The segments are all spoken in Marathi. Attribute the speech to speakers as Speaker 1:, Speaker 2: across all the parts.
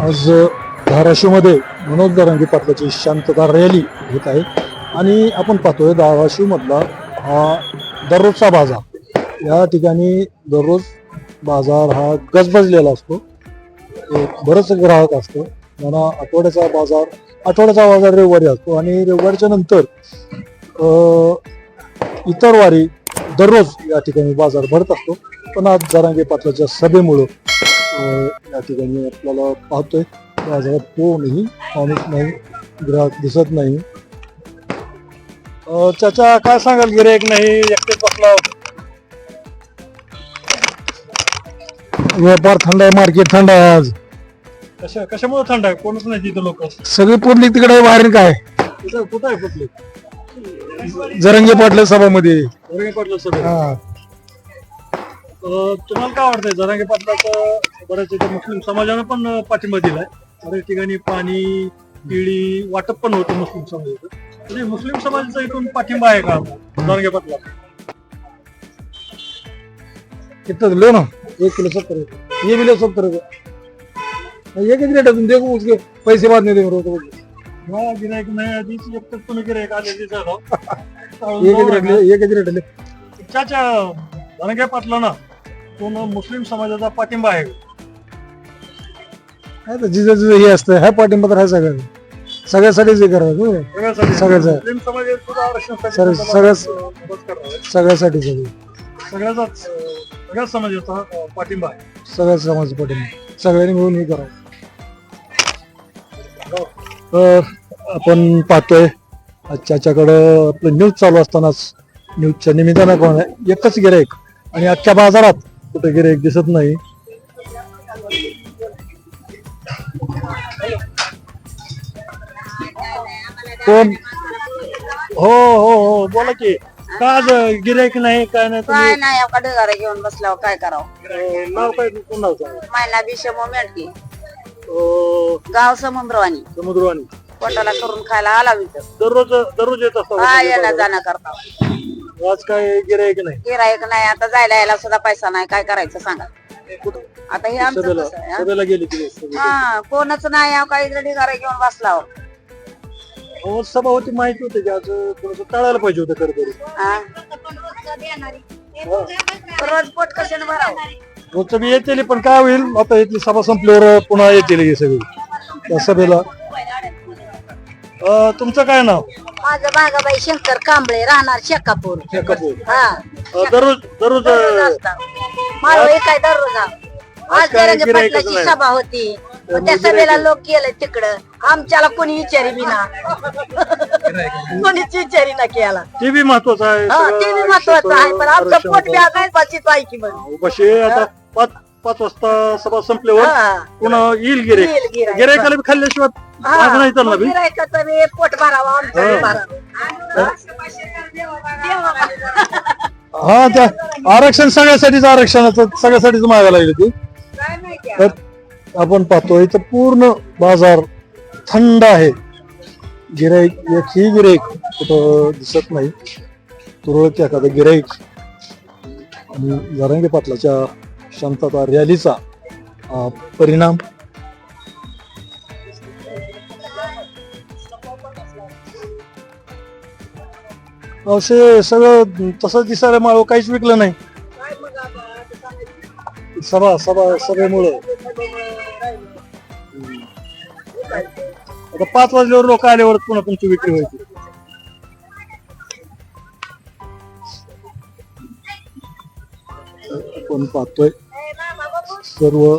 Speaker 1: आज धाराशिवमध्ये मनोज जरांगे पाटलाची शांतता रॅली होत आहे आणि आपण पाहतोय धाराशिवमधला हा दररोजचा बाजार. या ठिकाणी दररोज बाजार हा गजबजलेला असतो, बरंच ग्राहक असतो. म्हणा आठवड्याचा बाजार रविवारी असतो आणि रविवारच्या नंतर इतर वारी दररोज या ठिकाणी बाजार भरत असतो. पण आज जरांगे पाटलाच्या सभेमुळं या ठिकाणी आपल्याला पाहतोय बाजारात कोणीही माणूस नाही, ग्राहक दिसत नाही. चाचा काय सांगाल, गिऱ्हाईक नाही, एकटेच बसला, व्यापार थंड आहे, मार्केट थंड आहे. आज कशामुळे थंड आहे? कोणच नाही तिथं, लोक सगळी पुरली तिकडे बाहेर. काय कुठं आहे पुरली? जरांगे पाटला सभामध्ये. जरांगे पाटला सभा. तुम्हाला काय वाटतंय जरांगे पाटलाचं? बऱ्याच इथे मुस्लिम समाजानं पण पाठिंबा दिलाय. बऱ्याच ठिकाणी पाणी केळी वाटप पण होतं मुस्लिम समाजाचं. म्हणजे मुस्लिम समाजाचा इथून पाठिंबा आहे का जरांगे पाटला? कितना लो ना, 1 किलो 70 रुपये, ये भी लो 70 रुपये. एक रेट है, तुम देखो उसके पैसे बाद नहीं देंगे. हाँ गिरायक नाही आधीच एकच तुम्ही गिरायक आलेली एकच रेट. चाचा जरांगे पाटला ना कोण मुस्लिम समाजाचा पाठिंबा आहे? जिथं जिथं हे असतं ह्या पाठिंबा तर आहे सगळ्यासाठीच हे करायचं. सगळ्या समाजाचा पाठिंबा आहे. सगळ्या समाजाचा पाठिंबा, सगळ्यांनी मिळून हे करावं. आपण पाहतोय चाच्याकडं आपलं न्यूज चालू असतानाच न्यूजच्या निमित्तानं कोण आहे, एकच गिऱ्हाईक आणि अख्ख्या बाजारात कुठे गिऱ्हाईक दिसत नाही. कोण? हो हो हो, बोला की. का आज गिऱ्हाईक नाही? काय नाही?
Speaker 2: काय नाही, ढगारा घेऊन बसल्यावर काय करावं?
Speaker 1: नाव काय? कोण नाव सांगा?
Speaker 2: मायना विषम मेटकी, गाव समुद्रवाणी.
Speaker 1: समुद्रवाणी.
Speaker 2: पोटाला करून खायला आला
Speaker 1: दररोज येत असतो.
Speaker 2: हा, येणं जाणं करता.
Speaker 1: आज काय गिऱ्हाईक नाही?
Speaker 2: गिरायक नाही, आता जायला यायला सुद्धा पैसा नाही. काय करायचं सांगा आता? हे आमचं कसं आहे, हा?
Speaker 1: सभेला गेली की
Speaker 2: हा, कोणच नाही. काही ढगारा घेऊन बसला.
Speaker 1: सभा होती, माहिती होती की आज थोडस टाळायला पाहिजे होतं खरं.
Speaker 2: रोज पोट कशाने भरावं?
Speaker 1: रोजचं बी येतील, पण काय होईल आता इथली सभा संपल्यावर पुन्हा येतील हे सगळी त्या सभेला. तुमचं काय नाव?
Speaker 2: माझं भागाबाई शंकर कांबळे, राहणार शेकापूर. हा,
Speaker 1: दररोज
Speaker 2: माळव काय दररोज. आज जरांगे पाटलाची सभा होती, त्या सभेला लोक गेले तिकडं. आमच्याला कोणी विचारी बी ना, कोणीच विचारी ना केला.
Speaker 1: ते बी महत्वाचं आहे.
Speaker 2: ते बी महत्वाचं आहे, पण आमचं पोट बी आता उपाशीच आहे की. मग
Speaker 1: आता 5 वाजता सभा संपल्यावर पुन्हा येईल गिऱ्हाईक. गिऱ्हाईकाला बी खाल्ल्याशिवाय नाही चालणार बी.
Speaker 2: गिऱ्हाईकाचं बी पोट भरावं, आमचं बी भरावं.
Speaker 1: हा, त्या आरक्षण सगळ्यासाठीच मागायला लागली ती. तर आपण पाहतो इथं पूर्ण बाजार थंड आहे. गिऱ्हाईक, एकही गिऱ्हाईक कुठं दिसत नाही. तुरळक एखादं गिऱ्हाईक. आणि जरांगे पाटलाच्या शांतता रॅलीचा परिणाम. असे सगळं तसंच दिसायला माळव काहीच विकलं नाही. सभेमुळं आता 5 वाजल्यावर लोक आल्यावर पुन्हा तुमची विक्री व्हायची. आपण पाहतोय सर्व.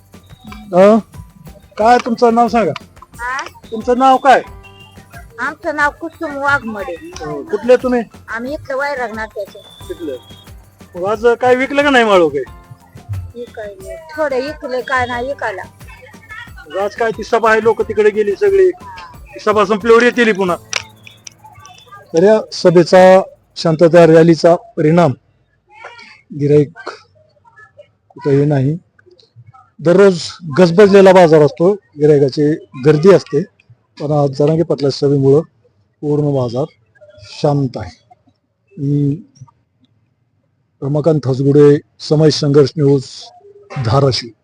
Speaker 1: काय तुमचं नाव सांगा? तुमचं नाव काय?
Speaker 2: आमचं नाव कुसुम वाघमडे.
Speaker 1: कुठले तुम्ही?
Speaker 2: आम्ही इथलं वैरागणार त्याचे.
Speaker 1: कुठलं? आज काय विकलं का नाही माळव? काय
Speaker 2: थोडं इकलं, काय नाही विकायला.
Speaker 1: आज काय ती सभा आहे, लोक तिकडे गेली सगळी. सभा संपल्यावर येतील पुन्हा. तर या सभेचा, शांतता रॅलीचा परिणाम गिऱ्हाईक कुठेही नाही. दररोज गजबजलेला बाजार असतो, गिऱ्हाईकाची गर्दी असते. पण आज जरांगे पाटला सभेमुळं पूर्ण बाजार शांत आहे. रमाकांत हसगुडे, समाज संघर्ष न्यूज, धाराशिव.